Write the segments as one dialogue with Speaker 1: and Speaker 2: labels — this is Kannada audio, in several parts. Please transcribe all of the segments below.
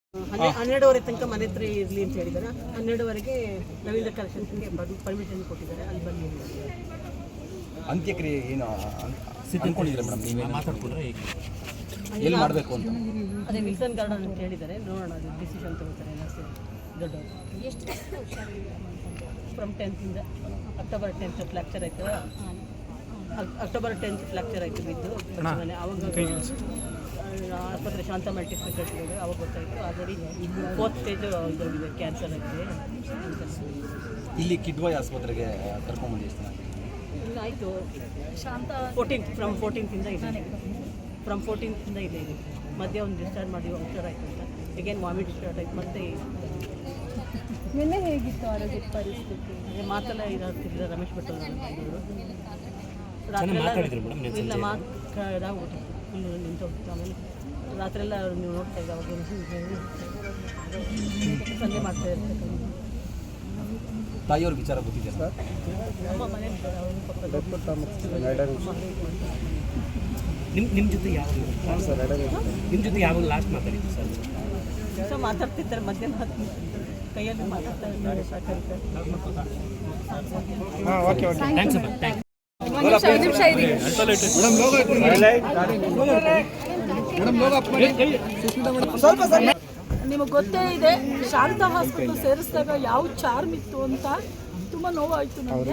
Speaker 1: 12:30 ತನಕ ಮನೆ ಹತ್ರ ಇರಲಿ ಅಂತ ಹೇಳಿದ್ದಾರೆ. 12:30ಗೆ ರವೀಂದ್ರ ಕಲೆಕ್ಷನ್ಸ್ಗೆ ಪರ್ಮಿಷನ್ ಕೊಟ್ಟಿದ್ದಾರೆ, ಅಲ್ಲಿ ಬನ್ನಿ.
Speaker 2: ಅಂತ್ಯಕ್ರಿಯೆ ಏನು ಅನ್ಕೊಂಡಿದ್ದೀರಾ ಮೇಡಮ್? ನೀವೇ ಮಾತಾಡ್ಕೊಂಡ್ರೆ ಎಲ್ಲಿ ಮಾಡಬೇಕು ಅಂತ?
Speaker 1: ಅದೇ ವಿಲ್ಸನ್ ಗಾರ್ಡನ್ ಅಂತ ಹೇಳಿದ್ದಾರೆ, ನೋಡೋಣ ಅದು ಡಿಸಿಷನ್ ತಗೋತಾರೆ ದೊಡ್ಡವರು. ಫ್ರಮ್ 10th ಇಂದ ಅಕ್ಟೋಬರ್ 10th ಫ್ಲಾಕ್ಚರ್ ಆಯ್ತು. ಅಕ್ಟೋಬರ್ 10th ಫ್ಲಾಕ್ಚರ್ ಆಯಿತು ಬಿದ್ದು. ಅವಾಗ ಆಸ್ಪತ್ರೆ ಶಾಂತ ಮಲ್ಟಿ ಸ್ಪೆಷಾಲಿಟಿ ಅವಾಗ ಗೊತ್ತಾಯಿತು. ಆಲ್ರೆಡಿ 4th ಸ್ಟೇಜ್ ಇದೋಗಿದೆ, ಕ್ಯಾನ್ಸರ್ ಆಗಿದೆ.
Speaker 2: ಇಲ್ಲಿ ಕಿಡ್ವಾಯ್ ಆಸ್ಪತ್ರೆಗೆ ಕರ್ಕೊಂಡ್ಬಂದು ಎಷ್ಟು ಜನ?
Speaker 1: ಇಲ್ಲ ಆಯಿತು, ಶಾಂತ 14th ಇಂದ ಇದೆ. ಫ್ರಮ್ 14th ಇಂದ ಇದೆ. ಮಧ್ಯೆ ಒಂದು ಡಿಸ್ಚಾರ್ಜ್ ಮಾಡಿ ಹುಷಾರ್ ಆಯಿತು ಅಂತ ಅಗೇನ್ ವಾಮಿಟ್ ಸ್ಟಾರ್ಟ್ ಆಯಿತು. ಮತ್ತೆ
Speaker 3: ನಿನ್ನೆ ಹೇಗಿತ್ತು ಆರೋಗ್ಯ ಪರಿಸ್ಥಿತಿ?
Speaker 1: ಅದೇ ಮಾತೆಲ್ಲ ಇದಾಗ್ತಿಲ್ಲ. ರಮೇಶ್ ಭಟ್ ಅವರು ಇಲ್ಲ ಮಾತಾಡ್ಬಿಟ್ಟು ಫುಲ್ ನಿಂತು ಹೋಗ್ತಿತ್ತು. ಆಮೇಲೆ ರಾತ್ರಿಯೆಲ್ಲ ನೀವು ನೋಡ್ತಾ ಇದ್ದ ಅವಾಗ ಸಂಜೆ ಮಾಡ್ತಾ ಇರ್ತಾರೆ.
Speaker 2: ತಾಯಿಯವ್ರ ವಿಚಾರ ಗೊತ್ತಿದೆ ಸರ್?
Speaker 1: ನಮ್ಮ ಮನೆ
Speaker 4: ನಿಮ್ಮ ಜೊತೆ ಯಾವಾಗ ಲಾಸ್ಟ್ ಮಾತಾಡಿದ್ದು ಸರ್?
Speaker 1: ದಿವಸ ಮಾತಾಡ್ತಿರ್ತಾರೆ, ಮಧ್ಯೆ ಕೈಯಲ್ಲಿ ಮಾತಾಡ್ತಾ ಇದ್ದಾರೆ.
Speaker 4: ಥ್ಯಾಂಕ್ಸ್ ಅಮ್ಮ, ಥ್ಯಾಂಕ್ಸ್.
Speaker 3: ನಿಮಗೆ ಗೊತ್ತೇ ಇದೆ, ಶಾಂತ ಹಾಸ್ಪಿಟಲ್ ಸೇರಿಸಿದಾಗ ಯಾವ ಚಾರ್ಮ್ ಇತ್ತು ಅಂತ ತುಂಬ ನೋವಾಯಿತು ನನಗೆ.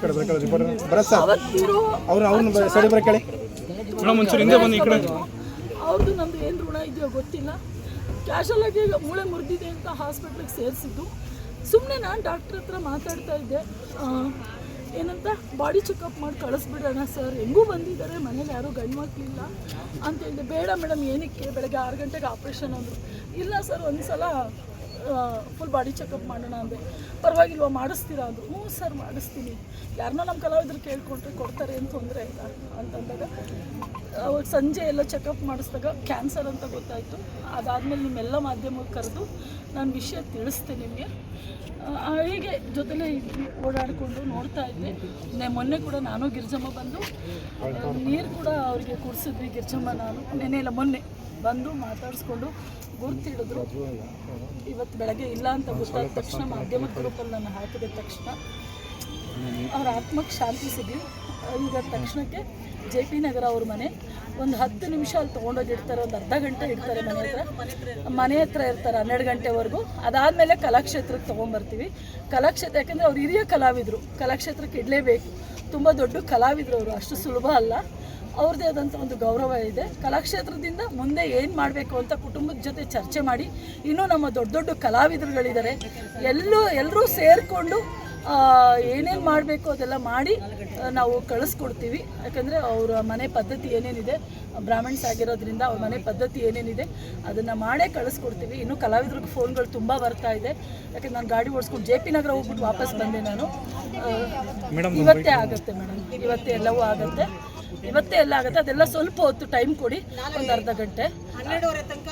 Speaker 3: ಅವ್ರದ್ದು ನಮ್ದು ಏನು ಋಣ ಇದೆಯೋ ಗೊತ್ತಿಲ್ಲ. ಕ್ಯಾಶುವಲ್ ಆಗಿ ಮೂಳೆ ಮುರಿದಿದೆ ಅಂತ ಹಾಸ್ಪಿಟ್ಲಿಗೆ ಸೇರಿಸಿದ್ದು. ಸುಮ್ಮನೆ ನಾನು ಡಾಕ್ಟ್ರ್ ಹತ್ರ ಮಾತಾಡ್ತಾ ಇದ್ದೆ, ಏನಂತ ಬಾಡಿ ಚೆಕಪ್ ಮಾಡಿ ಕಳಿಸ್ಬಿಡೋಣ ಸರ್, ಹೆಂಗೂ ಬಂದಿದ್ದಾರೆ, ಮನೇಲಿ ಯಾರೂ ಗಂಡು ಮಕ್ಕಳಿಲ್ಲ ಅಂತ ಹೇಳಿದೆ. ಬೇಡ ಮೇಡಮ್, ಏನಕ್ಕೆ ಬೆಳಗ್ಗೆ 6 ಗಂಟೆಗೆ ಆಪ್ರೇಷನ್ ಅಂದರು. ಇಲ್ಲ ಸರ್, ಒಂದು ಸಲ ಫುಲ್ ಬಾಡಿ ಚೆಕಪ್ ಮಾಡೋಣ ಅಂದೆ. ಪರವಾಗಿಲ್ವ, ಮಾಡಿಸ್ತೀರಾ ಅಂದರು. ಹ್ಞೂ ಸರ್ ಮಾಡಿಸ್ತೀನಿ, ಯಾರನ್ನೋ ನಮ್ಮ ಕಲಾವಿದ್ರು ಕೇಳ್ಕೊಂಡ್ರೆ ಕೊಡ್ತಾರೆ, ಏನು ತೊಂದರೆ ಇಲ್ಲ ಅಂತಂದಾಗ ಅವಾಗ ಸಂಜೆ ಎಲ್ಲ ಚೆಕಪ್ ಮಾಡಿಸಿದಾಗ ಕ್ಯಾನ್ಸರ್ ಅಂತ ಗೊತ್ತಾಯಿತು. ಅದಾದಮೇಲೆ ನಿಮ್ಮೆಲ್ಲ ಮಾಧ್ಯಮಕ್ಕೆ ಕರೆದು ನಾನು ವಿಷಯ ತಿಳಿಸ್ತೆ ನಿಮಗೆ. ಹೀಗೆ ಜೊತೆಲೇ ಇದ್ವಿ, ಓಡಾಡಿಕೊಂಡು ನೋಡ್ತಾ ಇದ್ದೆ. ಮೊನ್ನೆ ಕೂಡ ನಾನು ಗಿರ್ಜಮ್ಮ ಬಂದು ನೀರು ಕೂಡ ಅವರಿಗೆ ಕುಡಿಸಿದ್ವಿ. ಗಿರ್ಜಮ್ಮ ನಾನು ನೆನೆ ಇಲ್ಲ ಮೊನ್ನೆ ಬಂದು ಮಾತಾಡಿಸ್ಕೊಂಡು ಗುರ್ತಿಡಿದ್ರು. ಇವತ್ತು ಬೆಳಗ್ಗೆ ಇಲ್ಲ ಅಂತ ಗೊತ್ತಾದ ತಕ್ಷಣ ಮಾಧ್ಯಮದ ಗ್ರೂಪಲ್ಲಿ ನಾನು ಹಾಕಿದ ತಕ್ಷಣ ಅವ್ರ ಆತ್ಮಕ್ಕೆ ಶಾಂತಿ ಸಿಗಲಿ. ಈಗ ತಕ್ಷಣಕ್ಕೆ JP ನಗರ ಅವ್ರ ಮನೆ ಒಂದು 10 ನಿಮಿಷ ಅಲ್ಲಿ ತೊಗೊಂಡೋಗಿ ಇಡ್ತಾರೆ, ಒಂದು ಅರ್ಧ ಗಂಟೆ ಇಡ್ತಾರೆ. ಮನೆ ಹತ್ರ ಇರ್ತಾರೆ 12 ಗಂಟೆವರೆಗೂ. ಅದಾದಮೇಲೆ ಕಲಾಕ್ಷೇತ್ರಕ್ಕೆ ತೊಗೊಂಬರ್ತೀವಿ. ಕಲಾಕ್ಷೇತ್ರ ಯಾಕೆಂದರೆ ಅವ್ರು ಹಿರಿಯ ಕಲಾವಿದರು, ಕಲಾಕ್ಷೇತ್ರಕ್ಕೆ ಇಡಲೇಬೇಕು. ತುಂಬ ದೊಡ್ಡ ಕಲಾವಿದರು ಅವರು, ಅಷ್ಟು ಸುಲಭ ಅಲ್ಲ. ಅವ್ರದ್ದೇ ಆದಂಥ ಒಂದು ಗೌರವ ಇದೆ. ಕಲಾಕ್ಷೇತ್ರದಿಂದ ಮುಂದೆ ಏನು ಮಾಡಬೇಕು ಅಂತ ಕುಟುಂಬದ ಜೊತೆ ಚರ್ಚೆ ಮಾಡಿ, ಇನ್ನೂ ನಮ್ಮ ದೊಡ್ಡ ದೊಡ್ಡ ಕಲಾವಿದರುಗಳಿದ್ದಾರೆ, ಎಲ್ಲರೂ ಸೇರಿಕೊಂಡು ಏನೇನು ಮಾಡಬೇಕು ಅದೆಲ್ಲ ಮಾಡಿ ನಾವು ಕಳಿಸ್ಕೊಡ್ತೀವಿ. ಯಾಕಂದರೆ ಅವರ ಮನೆ ಪದ್ಧತಿ ಏನೇನಿದೆ, ಬ್ರಾಹ್ಮಣ್ಸ್ ಆಗಿರೋದ್ರಿಂದ ಅವ್ರ ಮನೆ ಪದ್ಧತಿ ಏನೇನಿದೆ ಅದನ್ನು ಮಾಡೇ ಕಳಿಸ್ಕೊಡ್ತೀವಿ. ಇನ್ನೂ ಕಲಾವಿದ್ರಿಗೆ ಫೋನ್ಗಳು ತುಂಬ ಬರ್ತಾ ಇದೆ. ಯಾಕಂದ್ರೆ ನಾನು ಗಾಡಿ ಓಡಿಸ್ಕೊಂಡು JP ನಗರ ಹೋಗ್ಬಿಟ್ಟು ವಾಪಸ್ ಬಂದೆ ನಾನು. ಇವತ್ತೇ ಆಗುತ್ತೆ ಮೇಡಮ್, ಇವತ್ತೇ ಎಲ್ಲವೂ ಆಗುತ್ತೆ, ಇವತ್ತೇ ಎಲ್ಲ ಆಗುತ್ತೆ. ಅದೆಲ್ಲ ಸ್ವಲ್ಪ ಹೊತ್ತು ಟೈಮ್ ಕೊಡಿ, ಒಂದು ಅರ್ಧ ಗಂಟೆ.
Speaker 1: 12:30 ತನಕ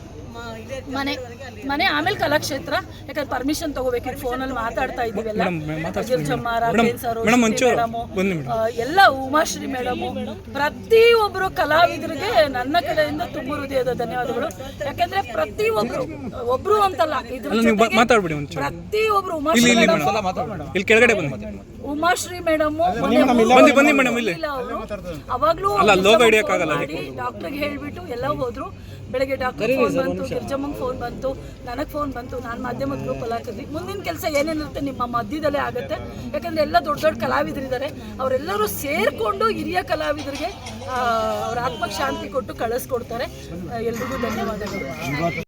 Speaker 3: ಮನೆ ಆಮೇಲೆ ಕಲಾಕ್ಷೇತ್ರ. ಯಾಕಂದ್ರೆ ಪರ್ಮಿಷನ್ ತಗೋಬೇಕಿತ್ತು, ಫೋನಲ್ಲಿ ಮಾತಾಡ್ತಾ ಇದ್ದೀವೆಲ್ಲ. ಗಿರ್ಜಮ್ಮ, ರಾಘವೇಂದ್ರ ಸರ್, ಎಲ್ಲ ಉಮಾಶ್ರೀ ಮೇಡಮು, ಪ್ರತಿಯೊಬ್ಬರು ಕಲಾವಿದರಿಗೆ ನನ್ನ ಕಡೆಯಿಂದ ತುಂಬ ಹೃದಯದ ಧನ್ಯವಾದಗಳು. ಯಾಕಂದ್ರೆ ಒಬ್ರು ಅಂತಲ್ಲ, ಪ್ರತಿಯೊಬ್ರು ಉಮಾಶ್ರೀ ಮೇಡಮು ಅವಾಗ್ಲೂ ಡಾಕ್ಟರ್ಗೆ ಹೇಳ್ಬಿಟ್ಟು ಎಲ್ಲ ಹೋದ್ರು. ಬೆಳಗ್ಗೆ ಡಾಕ್ಟರ್ ಫೋನ್ ಬಂತು, ಗಿರ್ಜಮ್ಮಂಗೆ ಫೋನ್ ಬಂತು, ನನಗೆ ಫೋನ್ ಬಂತು. ನಾನು ಮಾಧ್ಯಮದ ಗ್ರೂಪಲ್ಲಿ ಹಾಕಿದ್ವಿ. ಮುಂದಿನ ಕೆಲಸ ಏನೇನಿರುತ್ತೆ ನಿಮ್ಮ ಮಧ್ಯದಲ್ಲೇ ಆಗುತ್ತೆ. ಯಾಕಂದರೆ ಎಲ್ಲ ದೊಡ್ಡ ದೊಡ್ಡ ಕಲಾವಿದರಿದ್ದಾರೆ, ಅವರೆಲ್ಲರೂ ಸೇರಿಕೊಂಡು ಹಿರಿಯ ಕಲಾವಿದರಿಗೆ ಅವ್ರ ಆತ್ಮಕ್ಕೆ ಶಾಂತಿ ಕೊಟ್ಟು ಕಳಿಸ್ಕೊಡ್ತಾರೆ. ಎಲ್ರಿಗೂ ಧನ್ಯವಾದಗಳು.